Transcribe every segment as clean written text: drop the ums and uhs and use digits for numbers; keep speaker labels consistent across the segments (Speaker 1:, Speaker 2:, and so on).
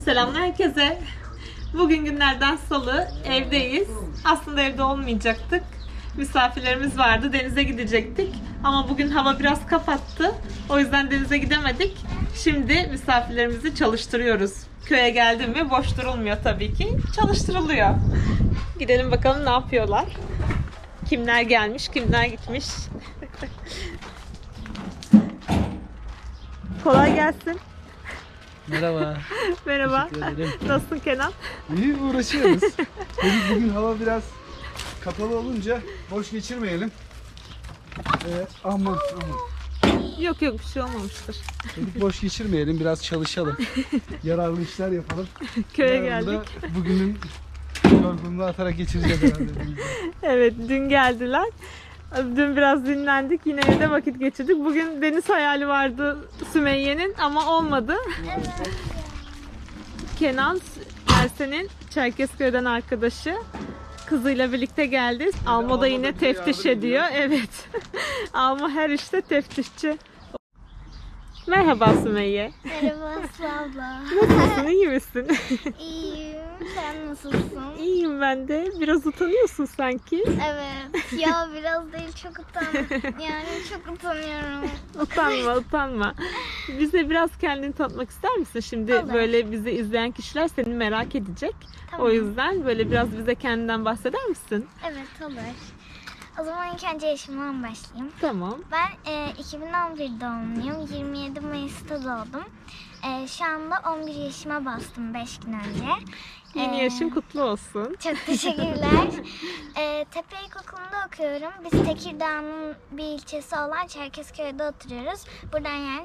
Speaker 1: Selamlar herkese. Bugün günlerden salı, evdeyiz. Aslında evde olmayacaktık. Misafirlerimiz vardı, denize gidecektik. Ama bugün hava biraz kapattı. O yüzden denize gidemedik. Şimdi misafirlerimizi çalıştırıyoruz. Köye geldim mi boş durulmuyor tabii ki. Çalıştırılıyor. Gidelim bakalım ne yapıyorlar. Kimler gelmiş, kimler gitmiş. Kolay gelsin.
Speaker 2: Merhaba.
Speaker 1: Merhaba.
Speaker 2: Teşekkür ederim.
Speaker 1: Nasılsın Kenan?
Speaker 2: İyi uğraşıyoruz. Dedik bugün hava biraz kapalı olunca boş geçirmeyelim. Aman.
Speaker 1: Yok bir şey olmamıştır.
Speaker 2: Dedik boş geçirmeyelim, biraz çalışalım. Yararlı işler yapalım.
Speaker 1: Köye
Speaker 2: Yarın da
Speaker 1: geldik.
Speaker 2: bugünün yorgunluğu atarak geçireceğiz herhalde.
Speaker 1: Evet, dün geldiler. Dün biraz dinlendik. Yine evde vakit geçirdik. Bugün deniz hayali vardı Sümeyye'nin ama olmadı. Kenan, Ersen'in Çerkezköy'den arkadaşı. Kızıyla birlikte geldi. Almo da yine teftiş ediyor. Evet. Almo her işte teftişçi. Merhaba Sümeyye.
Speaker 3: Merhaba Aslı abla.
Speaker 1: Nasılsın? İyi misin?
Speaker 3: İyiyim. Sen nasılsın?
Speaker 1: İyiyim ben de. Biraz utanıyorsun sanki.
Speaker 3: Evet. Ya biraz değil çok Yani çok utanıyorum.
Speaker 1: Utanma. Bize biraz kendini tanıtmak ister misin? Şimdi
Speaker 3: Olur.
Speaker 1: böyle bizi izleyen kişiler seni merak edecek.
Speaker 3: Tamam.
Speaker 1: O yüzden böyle biraz bize kendinden bahseder misin?
Speaker 3: Evet olur. O zaman ilk önce yaşımdan başlayayım.
Speaker 1: Tamam.
Speaker 3: Ben 2011 doğumluyum. 27 Mayıs'ta doğdum. Şu anda 11 yaşıma bastım 5 gün önce.
Speaker 1: Yeni yaşın kutlu olsun.
Speaker 3: Çok teşekkürler. Tepe İlkokulu'nda okuyorum. Biz Tekirdağ'ın bir ilçesi olan Çerkezköy'de oturuyoruz. Buradan yani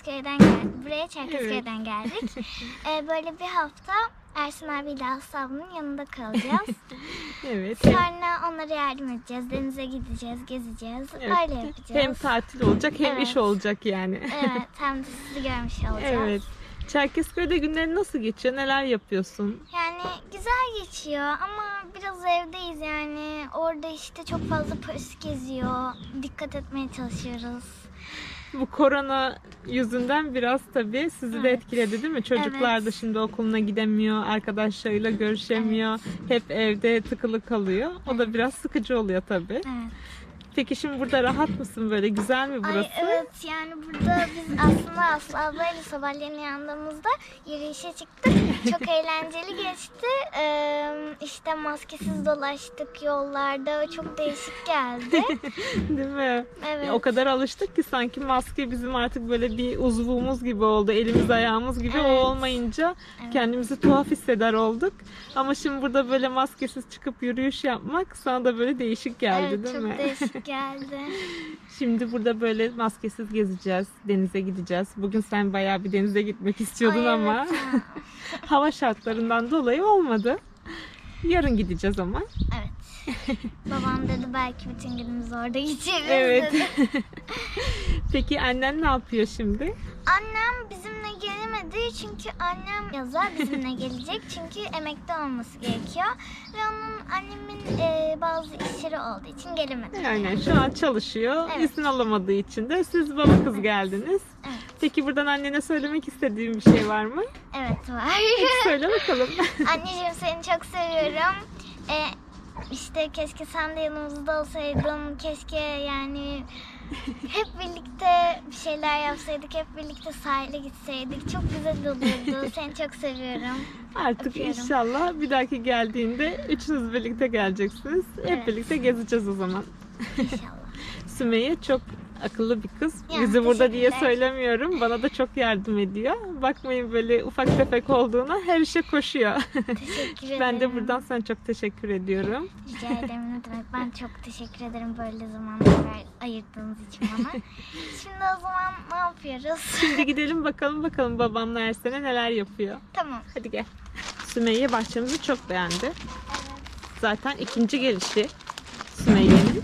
Speaker 3: buraya Çerkezköy'den geldik. Böyle bir hafta Ersin abiyle Aslı ablanın yanında kalacağız.
Speaker 1: Evet.
Speaker 3: Sonra onlara yardım edeceğiz. Denize gideceğiz, gezeceğiz.
Speaker 1: Evet.
Speaker 3: Öyle yapacağız.
Speaker 1: Hem tatil olacak hem
Speaker 3: Evet.
Speaker 1: iş olacak yani.
Speaker 3: Evet, hem de sizi görmüş olacağız.
Speaker 1: Evet. Çerkezköy'de günlerin nasıl geçiyor? Neler yapıyorsun?
Speaker 3: Yani güzel geçiyor ama biraz evdeyiz yani. Orada işte çok fazla polis geziyor. Dikkat etmeye çalışıyoruz.
Speaker 1: Bu korona yüzünden biraz tabii sizi de
Speaker 3: Evet.
Speaker 1: etkiledi değil mi? Çocuklar da
Speaker 3: Evet.
Speaker 1: şimdi okuluna gidemiyor, arkadaşlarıyla görüşemiyor. Hep evde tıkılı kalıyor. O da biraz sıkıcı oluyor tabii.
Speaker 3: Evet.
Speaker 1: Peki şimdi burada rahat mısın böyle? Güzel mi burası?
Speaker 3: Ay evet yani burada biz aslında Aslı ablayla sabahleyin yandığımızda yürüyüşe çıktık. Çok eğlenceli geçti. İşte maskesiz dolaştık yollarda. O çok değişik geldi.
Speaker 1: Değil mi?
Speaker 3: Evet.
Speaker 1: O kadar alıştık ki sanki maske bizim artık böyle bir uzvumuz gibi oldu. Elimiz ayağımız gibi. O
Speaker 3: Evet.
Speaker 1: olmayınca
Speaker 3: Evet.
Speaker 1: kendimizi tuhaf hisseder olduk. Ama şimdi burada böyle maskesiz çıkıp yürüyüş yapmak sana da böyle değişik geldi
Speaker 3: Evet,
Speaker 1: değil
Speaker 3: çok
Speaker 1: mi?
Speaker 3: değişik geldi.
Speaker 1: Şimdi burada böyle maskesiz gezeceğiz, denize gideceğiz. Bugün sen bayağı bir denize gitmek istiyordun
Speaker 3: Ay,
Speaker 1: ama
Speaker 3: evet ya.
Speaker 1: hava şartlarından dolayı olmadı. Yarın gideceğiz ama.
Speaker 3: Evet. Babam dedi belki bütün günümüzü orada geçiririz
Speaker 1: Evet.
Speaker 3: dedi.
Speaker 1: Peki annen ne yapıyor şimdi?
Speaker 3: Annem bizimle gelemedi çünkü annem yaza bizimle gelecek çünkü emekli olması gerekiyor ve annemin bazı işleri olduğu için gelemedi.
Speaker 1: Aynen şu an çalışıyor.
Speaker 3: Evet.
Speaker 1: İzin alamadığı için de siz baba kız geldiniz.
Speaker 3: Evet.
Speaker 1: Peki buradan annene söylemek istediğin bir şey var mı?
Speaker 3: Evet var.
Speaker 1: Söyle bakalım.
Speaker 3: Anneciğim seni çok seviyorum. İşte keşke sen de yanımızda olsaydın. Keşke yani hep birlikte bir şeyler yapsaydık. Hep birlikte sahile gitseydik. Çok güzel olurdu. Seni çok seviyorum.
Speaker 1: Artık
Speaker 3: Öpüyorum.
Speaker 1: inşallah bir dahaki geldiğinde üçünüz birlikte geleceksiniz. Hep
Speaker 3: Evet.
Speaker 1: birlikte gezeceğiz o zaman.
Speaker 3: İnşallah.
Speaker 1: Sümeyye çok akıllı bir kız.
Speaker 3: Ya,
Speaker 1: Bizi burada diye
Speaker 3: teşekkürler.
Speaker 1: söylemiyorum. Bana da çok yardım ediyor. Bakmayın böyle ufak tefek olduğuna her işe koşuyor.
Speaker 3: Teşekkür ederim.
Speaker 1: Ben de buradan sana çok teşekkür ediyorum.
Speaker 3: Rica ederim ne demek. Ben çok teşekkür ederim böyle zamanlar ayırdığınız için bana. Şimdi o zaman ne yapıyoruz?
Speaker 1: Şimdi gidelim bakalım babamla Ersen'e neler yapıyor.
Speaker 3: Tamam.
Speaker 1: Hadi gel. Sümeyye bahçemizi çok beğendi. Zaten ikinci gelişi Sümeyye'nin.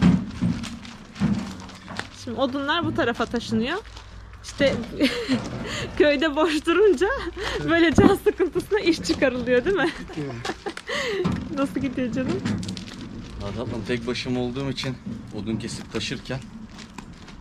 Speaker 1: Şimdi odunlar bu tarafa taşınıyor. İşte köyde boş durunca böyle can sıkıntısına iş çıkarılıyor değil mi? Nasıl gidiyor canım?
Speaker 4: Tatlım tek başıma olduğum için odun kesip taşırken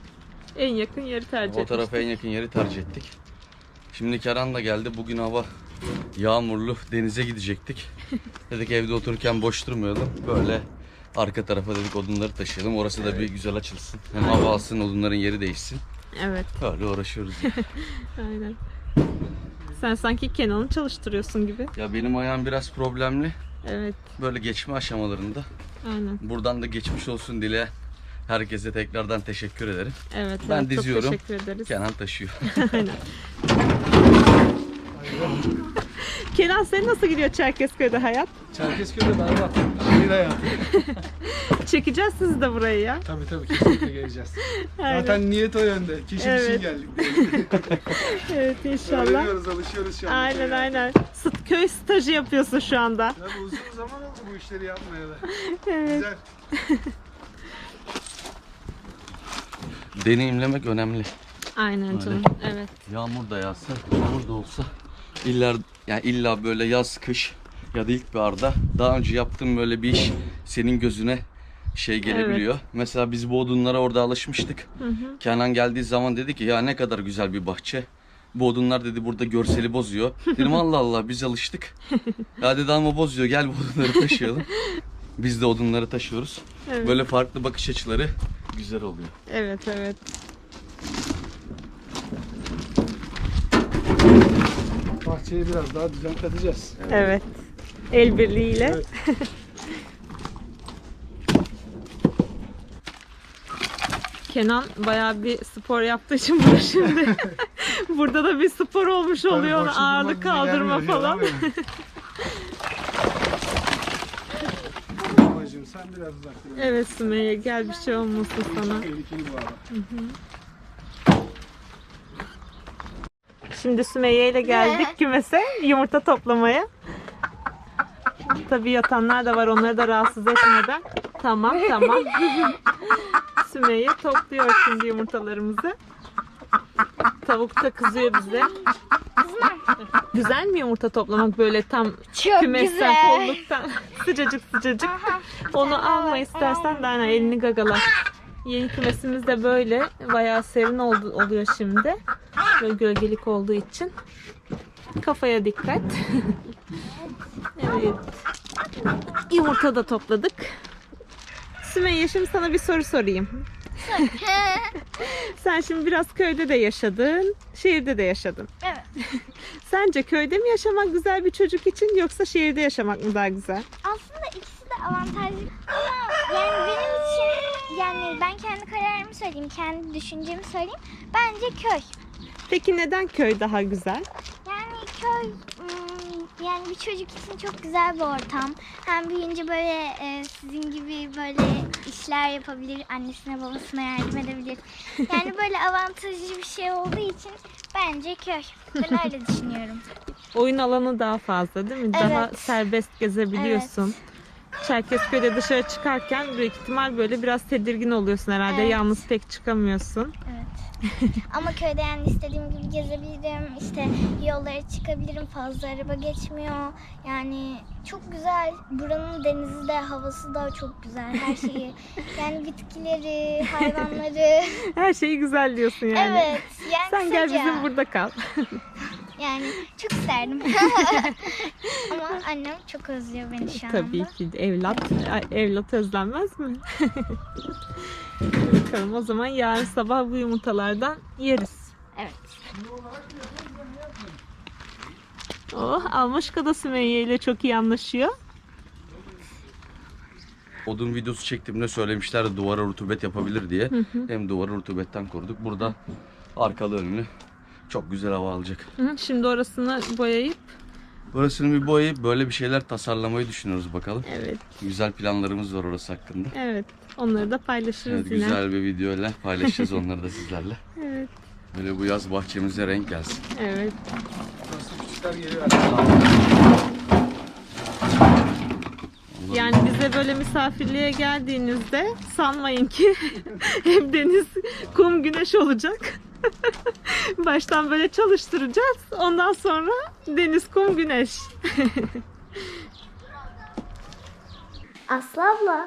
Speaker 1: En yakın yeri tercih
Speaker 4: o tarafa en
Speaker 1: etmiştik.
Speaker 4: yakın yeri tercih ettik. Şimdi Kerhan da geldi. Bugün hava yağmurlu denize gidecektik. Dedik evde otururken boş durmayalım. Böyle arka tarafa dedik odunları taşıyalım. Orası da bir güzel açılsın. Hem hava alsın, odunların yeri değişsin.
Speaker 1: Evet.
Speaker 4: Böyle uğraşıyoruz.
Speaker 1: Aynen. Sen sanki Kenan'ı çalıştırıyorsun gibi.
Speaker 4: Ya benim ayağım biraz problemli.
Speaker 1: Evet.
Speaker 4: Böyle geçme aşamalarında.
Speaker 1: Aynen.
Speaker 4: Buradan da geçmiş olsun dile. Herkese tekrardan teşekkür ederim.
Speaker 1: Evet.
Speaker 4: Ben
Speaker 1: evet,
Speaker 4: diziyorum.
Speaker 1: Çok teşekkür ederiz.
Speaker 4: Kenan taşıyor.
Speaker 1: Aynen. Kenan senin nasıl gidiyor Çerkezköy'de hayat?
Speaker 2: Çerkezköy'de berbat. Şehir hayatı.
Speaker 1: Çekeceğiz sizi de burayı ya.
Speaker 2: Tabii kesinlikle geleceğiz.
Speaker 1: Aynen.
Speaker 2: Zaten niyet o yönde. Keşif için
Speaker 1: Evet.
Speaker 2: geldik.
Speaker 1: Evet inşallah.
Speaker 2: Öğreniyoruz, alışıyoruz şu anda.
Speaker 1: Aynen. Köy stajı yapıyorsun şu anda.
Speaker 2: Ya bu uzun zaman oldu bu işleri yapmaya da.
Speaker 1: Evet.
Speaker 2: Güzel.
Speaker 4: Deneyimlemek önemli.
Speaker 1: Aynen canım. Evet.
Speaker 4: Yağmur da yağsa, yağmur da olsa illa böyle yaz, kış ya da ilkbaharda daha önce yaptığım böyle bir iş senin gözüne şey gelebiliyor. Mesela biz bu odunlara orada alışmıştık. Kenan geldiği zaman dedi ki ya ne kadar güzel bir bahçe. Bu odunlar dedi burada görseli bozuyor. Dedim Allah Allah biz alıştık. Ya dedi ama bozuyor, gel bu odunları taşıyalım. Biz de odunları taşıyoruz.
Speaker 1: Evet.
Speaker 4: Böyle farklı bakış açıları güzel oluyor.
Speaker 1: Evet.
Speaker 2: Bahçeye biraz daha düzen katacağız.
Speaker 1: Evet. El birliğiyle.
Speaker 2: Evet.
Speaker 1: Kenan bayağı bir spor yaptığı için burada şimdi. Burada da bir spor olmuş oluyor.
Speaker 2: Tabii boşluk
Speaker 1: Ağırlık
Speaker 2: bulmak bize
Speaker 1: kaldırma
Speaker 2: gelmiyor,
Speaker 1: falan.
Speaker 2: yalan mı? Babacığım sen biraz uzak dur.
Speaker 1: Evet Sümeyye gel bir şey olmasın sana.
Speaker 2: Tehlikeli bu arada.
Speaker 1: Şimdi Sümeyye ile geldik kümese yumurta toplamaya. Tabii yatanlar da var, onları da rahatsız etmeden. Tamam. Sümeyye topluyor şimdi yumurtalarımızı. Tavuk da kızıyor bize. Güzel mi yumurta toplamak böyle tam
Speaker 3: Çok
Speaker 1: kümesten,
Speaker 3: güzel.
Speaker 1: kolluktan sıcacık. Onu alma istersen de aynen elini gagala. Yeni kümesimiz de böyle bayağı serin oluyor şimdi. Böyle gölgelik olduğu için. Kafaya dikkat. Evet. Yumurta da topladık. Sümeyye şimdi sana bir soru sorayım. Sen şimdi biraz köyde de yaşadın, şehirde de yaşadın.
Speaker 3: Evet.
Speaker 1: Sence köyde mi yaşamak güzel bir çocuk için yoksa şehirde yaşamak mı daha güzel?
Speaker 3: Aslında ikisi de avantajlı ama yani benim için yani ben kendi kararımı söyleyeyim, kendi düşüncemi söyleyeyim. Bence köy.
Speaker 1: Peki neden köy daha güzel?
Speaker 3: Yani köy yani bir çocuk için çok güzel bir ortam. Hem büyüyünce böyle sizin gibi böyle işler yapabilir, annesine babasına yardım edebilir. Yani böyle avantajlı bir şey olduğu için bence köy. Ben öyle düşünüyorum.
Speaker 1: Oyun alanı daha fazla değil mi? Daha
Speaker 3: Evet.
Speaker 1: serbest gezebiliyorsun. Çerkezköy'de dışarı çıkarken büyük ihtimal böyle biraz tedirgin oluyorsun herhalde.
Speaker 3: Evet.
Speaker 1: Yalnız pek çıkamıyorsun.
Speaker 3: Evet. Ama köyde yani istediğim gibi gezebilirim. İşte yollara çıkabilirim. Fazla araba geçmiyor. Yani çok güzel. Buranın denizi de, havası da çok güzel. Her şeyi. Yani bitkileri, hayvanları.
Speaker 1: Her şeyi güzel diyorsun yani.
Speaker 3: Evet. Yani
Speaker 1: Sen gel
Speaker 3: kısaca.
Speaker 1: bizim burada kal.
Speaker 3: Yani çok isterdim. Ama annem çok özlüyor beni şu anda.
Speaker 1: Tabii ki de evlat özlenmez mi? Bakalım o zaman yarın sabah bu yumurtalardan yeriz.
Speaker 3: Evet.
Speaker 1: Almışka da Sümeyye ile çok iyi anlaşıyor.
Speaker 4: Odun videosu çektiğimde söylemişlerdi duvara rutubet yapabilir diye. Hem duvarı rutubetten koruduk. Burada arkalı önlü çok güzel hava alacak.
Speaker 1: Şimdi orasını boyayıp
Speaker 4: Burasını bir boyayıp böyle bir şeyler tasarlamayı düşünüyoruz bakalım.
Speaker 1: evet.
Speaker 4: Güzel planlarımız var orası hakkında.
Speaker 1: Evet. Onları da paylaşırız
Speaker 4: Evet,
Speaker 1: yine.
Speaker 4: güzel bir videoyla paylaşacağız onları da sizlerle.
Speaker 1: Evet.
Speaker 4: Böyle bu yaz bahçemize renk gelsin.
Speaker 1: Evet.
Speaker 2: Nasıl küçükler geliyor.
Speaker 1: Yani bize böyle misafirliğe geldiğinizde sanmayın ki hem deniz, kum, güneş olacak. Baştan böyle çalıştıracağız. Ondan sonra deniz, kum, güneş.
Speaker 3: Aslı abla,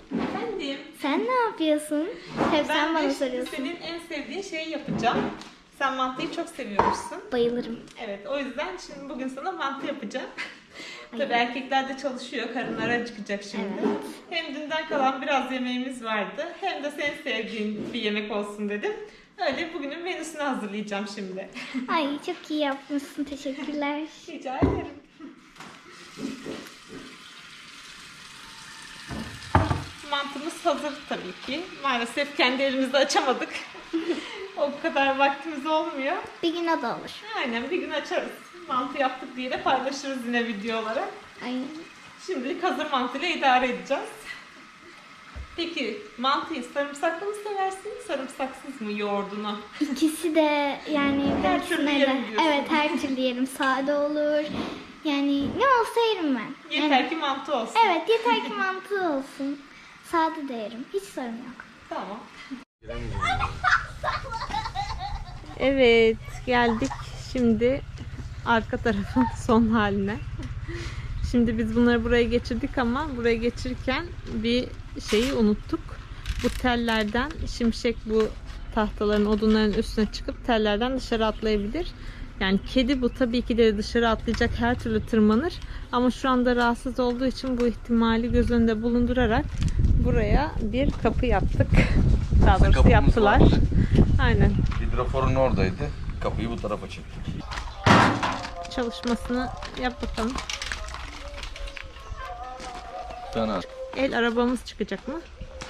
Speaker 1: Efendim,
Speaker 3: sen ne yapıyorsun? Hep sen bana soruyorsun.
Speaker 1: senin en sevdiğin şeyi yapacağım. Sen mantıyı çok seviyormuşsun.
Speaker 3: Bayılırım.
Speaker 1: Evet, o yüzden şimdi bugün sana mantı yapacağım. Tabii erkekler de çalışıyor, karınları acıkacak şimdi.
Speaker 3: Evet.
Speaker 1: Hem dünden kalan biraz yemeğimiz vardı, hem de senin sevdiğin bir yemek olsun dedim. Öyle bugünün menüsünü hazırlayacağım şimdi.
Speaker 3: Ay çok iyi yapmışsın. Teşekkürler.
Speaker 1: Rica ederim. Mantımız hazır tabii ki. Maalesef kendi elimizde açamadık. O kadar vaktimiz olmuyor.
Speaker 3: Bir gün o da olur.
Speaker 1: Aynen, bir gün açarız. Mantı yaptık diye de paylaşırız yine video olarak.
Speaker 3: Ay.
Speaker 1: Şimdilik hazır mantıyla idare edeceğiz. Peki mantıyı sarımsaklı mı seversin, sarımsaksız mı yoğurdunu?
Speaker 3: İkisi de yani
Speaker 1: Her
Speaker 3: ikisine
Speaker 1: türlü
Speaker 3: de-
Speaker 1: yerim diyorsun.
Speaker 3: Evet, her türlü yerim. Sade olur. Yani ne olsa yerim ben.
Speaker 1: Yeter
Speaker 3: Yani-
Speaker 1: ki mantı olsun.
Speaker 3: Evet, yeter ki mantı olsun. Sade de yerim. Hiç sorun yok.
Speaker 1: Tamam. Evet, geldik şimdi arka tarafın son haline. Şimdi biz bunları buraya geçirdik ama buraya geçirirken bir şeyi unuttuk. Bu tellerden şimşek bu tahtaların, odunların üstüne çıkıp tellerden dışarı atlayabilir. Yani kedi bu, tabii ki de dışarı atlayacak, her türlü tırmanır. Ama şu anda rahatsız olduğu için bu ihtimali göz önünde bulundurarak buraya bir kapı yaptık. Daha doğrusu
Speaker 4: Kapımız
Speaker 1: yaptılar.
Speaker 4: vardı.
Speaker 1: Aynen.
Speaker 4: Hidroforun oradaydı. Kapıyı bu tarafa çektik.
Speaker 1: Çalışmasını yap bakalım.
Speaker 4: Fena.
Speaker 1: El arabamız çıkacak mı?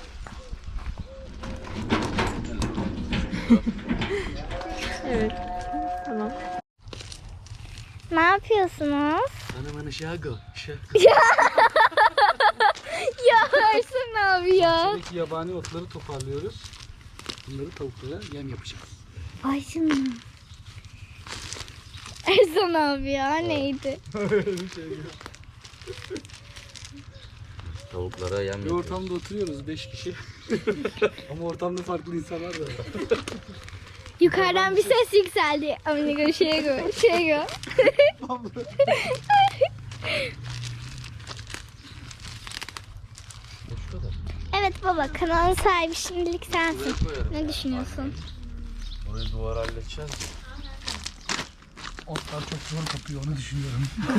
Speaker 1: Evet. Tamam.
Speaker 3: Ne yapıyorsunuz?
Speaker 4: Bana şago.
Speaker 3: Ya Ersan abi ya.
Speaker 2: Buradaki yabani otları toparlıyoruz. Bunları tavuklara yem yapacağız.
Speaker 3: Ay canım. Ersan abi ya neydi?
Speaker 4: Tavuklara yem
Speaker 2: Bir
Speaker 4: yapıyoruz.
Speaker 2: ortamda oturuyoruz 5 kişi. Ama ortamda farklı insanlar da var.
Speaker 3: Yukarıdan bir ses yükseldi. Amigo Şego. Şego. Evet baba, kanalın sahibi şimdilik sensin. Ne düşünüyorsun?
Speaker 4: Burayı duvar halledeceğiz.
Speaker 2: Otlar çok zor kapıyor, onu düşünüyorum.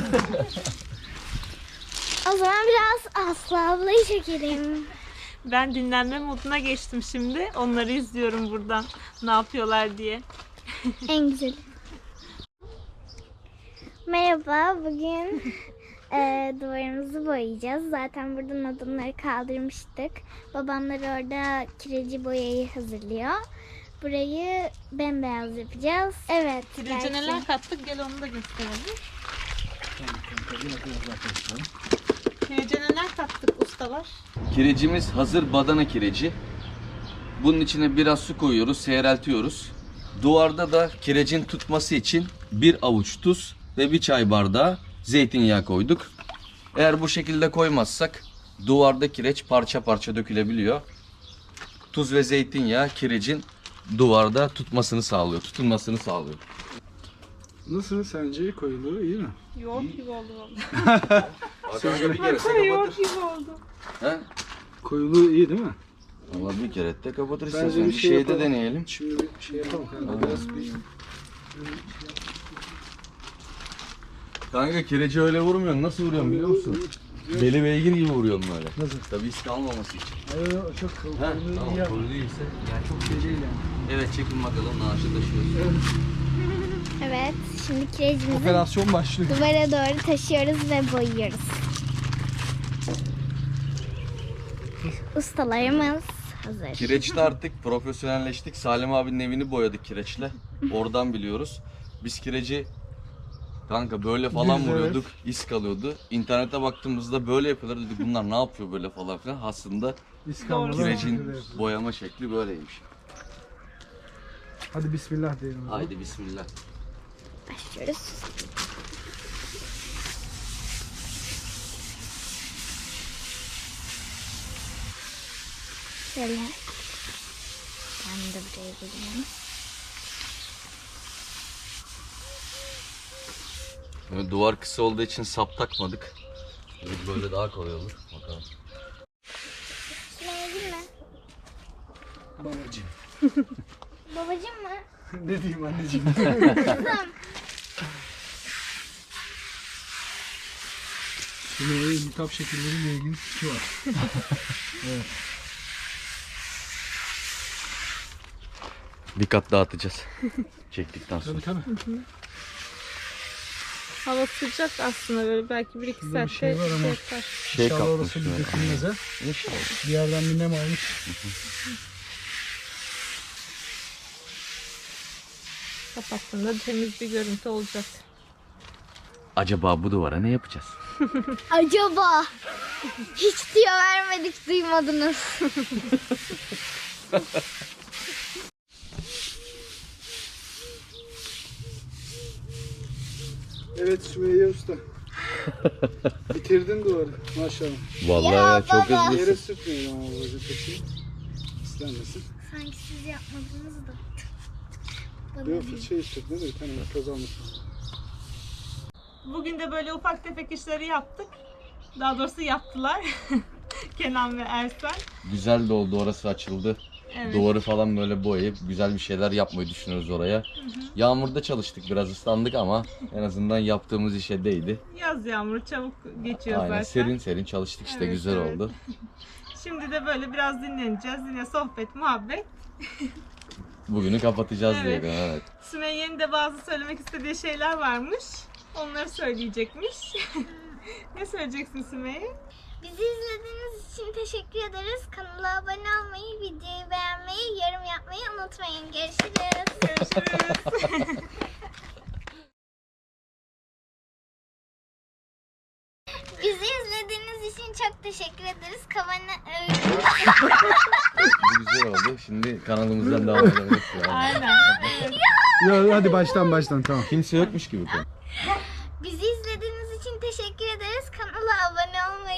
Speaker 3: O zaman biraz Aslı ablayı çekelim.
Speaker 1: Ben dinlenme moduna geçtim şimdi. Onları izliyorum buradan. Ne yapıyorlar diye.
Speaker 3: En güzeli. Merhaba, bugün duvarımızı boyayacağız. Zaten buradan odunları kaldırmıştık. Babamlar orada kireci boyayı hazırlıyor. Burayı bembeyaz yapacağız. Evet.
Speaker 1: Kirece
Speaker 3: belki.
Speaker 1: neler kattık, gel onu da gösterelim. Kirece neler kattık ustalar?
Speaker 4: Kirecimiz hazır badana kireci. Bunun içine biraz su koyuyoruz, seyreltiyoruz. Duvarda da kirecin tutması için bir avuç tuz ve bir çay bardağı zeytinyağı koyduk. Eğer bu şekilde koymazsak duvarda kireç parça parça dökülebiliyor. Tuz ve zeytinyağı kirecin duvarda tutmasını sağlıyor, tutunmasını sağlıyor.
Speaker 2: Nasıl sence, koyuluğu iyi mi?
Speaker 1: Yoğurt gibi oldu valla. Yoğurt gibi oldu.
Speaker 4: He?
Speaker 2: Koyuluğu iyi değil mi?
Speaker 4: Ama bir kere de kapatır
Speaker 2: Bence
Speaker 4: istersen.
Speaker 2: bir
Speaker 4: Bir
Speaker 2: şey
Speaker 4: şeyde
Speaker 2: yapalım.
Speaker 4: deneyelim.
Speaker 2: Şimdi bir şey yapalım. Kanka. Biraz bir...
Speaker 4: Kanka kireci öyle vurmuyorsun. Nasıl vuruyorsun biliyor musun? Beli beygir gibi vuruyorsun böyle.
Speaker 2: Nasıl?
Speaker 4: Tabii risk almaması için.
Speaker 2: Hayır, çok
Speaker 4: He,
Speaker 2: koyuluğu
Speaker 4: tamam,
Speaker 2: iyi yapma.
Speaker 4: kuru değilse.
Speaker 2: Yani çok şey değil yani.
Speaker 4: Evet, çekin bakalım naaşı taşıyoruz.
Speaker 3: Evet, şimdi kirecimizi
Speaker 2: Operasyon başlıyor.
Speaker 3: duvara doğru taşıyoruz ve boyuyoruz. Ustalarımız hazır.
Speaker 4: Kireçte artık profesyonelleştik. Salim abinin evini boyadık kireçle. Oradan biliyoruz. Biz kireci kanka böyle falan
Speaker 2: Düz,
Speaker 4: vuruyorduk. İz kalıyordu. İnternete baktığımızda böyle yapıyorlar. Dedik bunlar ne yapıyor böyle falan filan. Aslında
Speaker 2: İskambalı.
Speaker 4: kirecin boyama şekli böyleymiş.
Speaker 2: Hadi bismillah diyelim. o zaman.
Speaker 4: Haydi bismillah.
Speaker 3: Başlıyoruz. Şöyle. Ben de buraya geleyim.
Speaker 4: Yani duvar kısa olduğu için sap takmadık. Böyle daha kolay olur. Bakalım.
Speaker 3: Şuraya girme.
Speaker 2: Babacığım.
Speaker 3: Babacım mı?
Speaker 2: Ne diyeyim anneciğim? Sümeyye'ye iltihap şekilleriyle ilgili fikri var. Evet.
Speaker 4: Bir kat daha atacağız. Çektikten sonra.
Speaker 2: Tabii tabii.
Speaker 1: Hava sıcak aslında, böyle belki 1-2
Speaker 2: Burada bir
Speaker 1: saatte
Speaker 2: şey var ama-
Speaker 1: yapar.
Speaker 4: Şey
Speaker 2: İnşallah
Speaker 4: kapmış.
Speaker 2: orası bir dökülmez ha.
Speaker 4: İnşallah.
Speaker 2: Bir yerden bir nem almış.
Speaker 1: Kapattığında temiz bir görüntü olacak.
Speaker 4: Acaba bu duvara ne yapacağız?
Speaker 3: Acaba hiç diyor vermedik, duymadınız.
Speaker 2: Evet Sümeyye Usta. Bitirdin duvarı maşallah.
Speaker 4: Vallahi
Speaker 3: Ya
Speaker 4: ya, çok
Speaker 3: baba.
Speaker 4: hızlısın.
Speaker 2: Yere sürtmeyin ama babacığım peki. İstenmesin.
Speaker 3: Sanki siz yapmadınız da.
Speaker 2: Yok fırçayı sürtme de bir tane toz almasın.
Speaker 1: Bugün de böyle ufak tefek işleri yaptık. Daha doğrusu yaptılar. Kenan ve Ersen.
Speaker 4: Güzel de oldu, orası açıldı.
Speaker 1: Evet.
Speaker 4: Duvarı falan böyle boyayıp güzel bir şeyler yapmayı düşünüyoruz oraya. Yağmurda çalıştık, biraz ıslandık ama en azından yaptığımız işe değdi.
Speaker 1: Yaz yağmuru çabuk geçiyor
Speaker 4: Aynen,
Speaker 1: zaten.
Speaker 4: serin serin çalıştık işte,
Speaker 1: Evet,
Speaker 4: güzel
Speaker 1: evet.
Speaker 4: oldu.
Speaker 1: Şimdi de böyle biraz dinleneceğiz. Yine sohbet, muhabbet.
Speaker 4: Bugünü kapatacağız
Speaker 1: Evet.
Speaker 4: diye. Evet.
Speaker 1: Sümeyye'nin de bazı söylemek istediği şeyler varmış. Onları söyleyecekmiş. Ne söyleyeceksin Sümeyye?
Speaker 3: Bizi izlediğiniz için teşekkür ederiz. Kanala abone olmayı, videoyu beğenmeyi, yorum yapmayı unutmayın. Görüşürüz.
Speaker 1: Görüşürüz.
Speaker 3: Bizi izlediğiniz için çok teşekkür ederiz.
Speaker 4: Bu güzel oldu. Şimdi kanalımızdan devam edebiliriz. Yani.
Speaker 1: Aynen.
Speaker 2: Ya hadi baştan tamam.
Speaker 4: Kimse yokmuş gibi.
Speaker 3: Bizi izlediğiniz için teşekkür ederiz. Kanala abone olmayı,